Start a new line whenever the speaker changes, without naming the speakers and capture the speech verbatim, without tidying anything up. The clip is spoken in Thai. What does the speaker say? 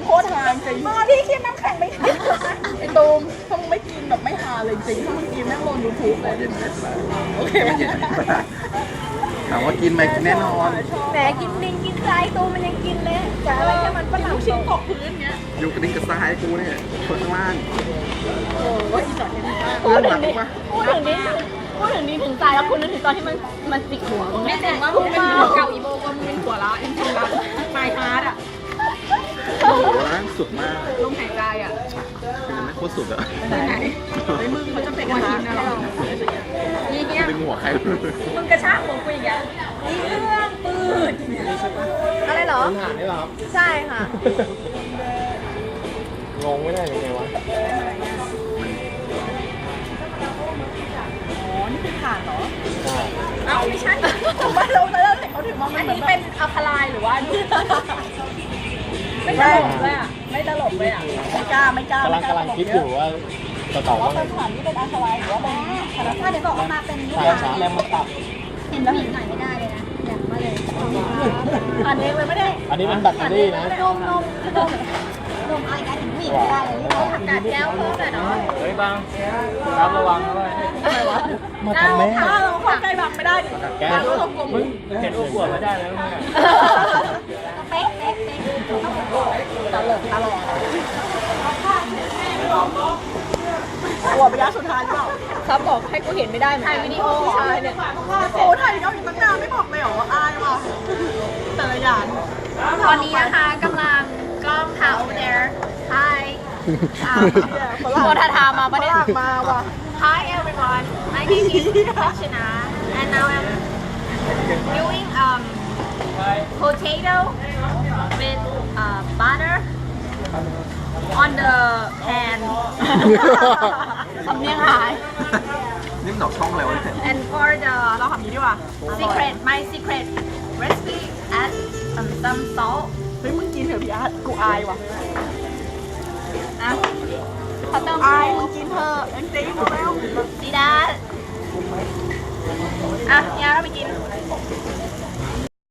โคตรฮาจริงมาพี่คิดน้ำแข็งไม่กินไอ้ตูมถ้ามึงไม่กินแบบไม่ฮาเลยจริงถ้ามึงกินแม่งลงยูทูบเลย
เย็นไม่สบาย
โอเคไหม
ถามว่ากินไหมกินแน่นอน
แหมกินลิงกินไก่ตูมันยังกินเลยแต่อะไรแค่มันฝรั่ง
ลูกชิ้นตกพื้นเงี้ย
อยู่กระดิ่งกระซ้ายกูเนี่ยคนข้างล่าง
โอ้ยอีสานเห็นมาก
พูดถึงนี้พูดถึงนี้พูดถึงนี้ถึงตายแล้วคุณนึกถึงตอนที่มันมันจิกหัวมึง
ไม่แต่ว่ามึงเป็นหัวเก่าอีโบว่ามึงเป็นหัวละอินทรัสปลายฮาร์ดอ่ะ
โอ้โหล่างสุดมาก
ลมหายใจอ่ะ
เป็นไม่โคตรสุดอะ
ไปไหนไอ้มึงเขาจะเป็นฮาร์ดนะเรานี่เงี้ย
ดึงหัวใคร
มึงกระชากหัวกูอย่างเงี้ยนี่เรื่องปืนอะไรเหรอ
ถามได้หรอครับ
ใช่ค่ะ
งงไม่ได้ยังไงวะ
อ๋อนี่คือถ่านเหรอ
ใช่
เอ้าไม่ใช่ผมว่าเราเราเห็นเขาถึงมองอันนี้เป็นอัลคาไลน์หรือว่าไม่ตลกเลยอ่ะไม่ตลกเลยอ่ะไม่กล้าไม่กล้าก
ำลังกำลังคิดอยู่ว่าจะตอบ
ว่า
ว่าไง
เป็นถ่านนี่เป็นอัลคาไลน์หรือว่าเป็นธรรมชาติเดี๋ยวบอกว่ามาเป็น
ใช่ใช่แล้วมันตับ
เห็นแล้วเห็นหน่อยไม่ได้เลยนะอยากมาเลย
อ่านเองเลยไม่ได้
อันนี้มันแบตเตอรี่นะ
นมนมนมนมอะไรกันถึงผู้หญิงไม่ได้เลยนี่ผักกาดแก้วเพิ่มหน่อยเนาะ
เฮ้ยบังรับระวังด้วย
ทำไมวะ
มาทำแม่
ถ้าเราเข้าใกล้บังไม่ได้ดิ
แก้วมึงเห็นอ้วกไม่ได้แล้วมึง
เป๊ะเป๊ะเป๊ะ
ตลกตลกหัวระยะสุดท้ายหรือเปล่า
ครับบอกให้กูเห็นไม่ได้เหมือน
ถ่าย
กัน
วิดีโอใช่เนี่ยโอ้ถ่ายวิดีโออีกตั้งนานไม่บอกเลยเหรออายว่ะแต่ละอย่าง
ตอนนี้นะคะกำลังกล้องถ่าย over there hi โมทาทามาประเด็น
มาว่ะ
Hi everyone my name is Rachana and now I'm doing um potato with uh, butter on the pan สำเนียงหาย
นี่มันออกช่องอะไรวะเนี่ย
and for the
เราทำนี้ดีกว่า
secret my secret recipe add um, some salt
เฮ้ยมึงกินเถอะพี่อาร์ตกูอายว่ะ
อ่ะเขาเติม
อายมึงกินเถอะจริงๆเร็ว
ดีดาอ่ะยาเราไปกิน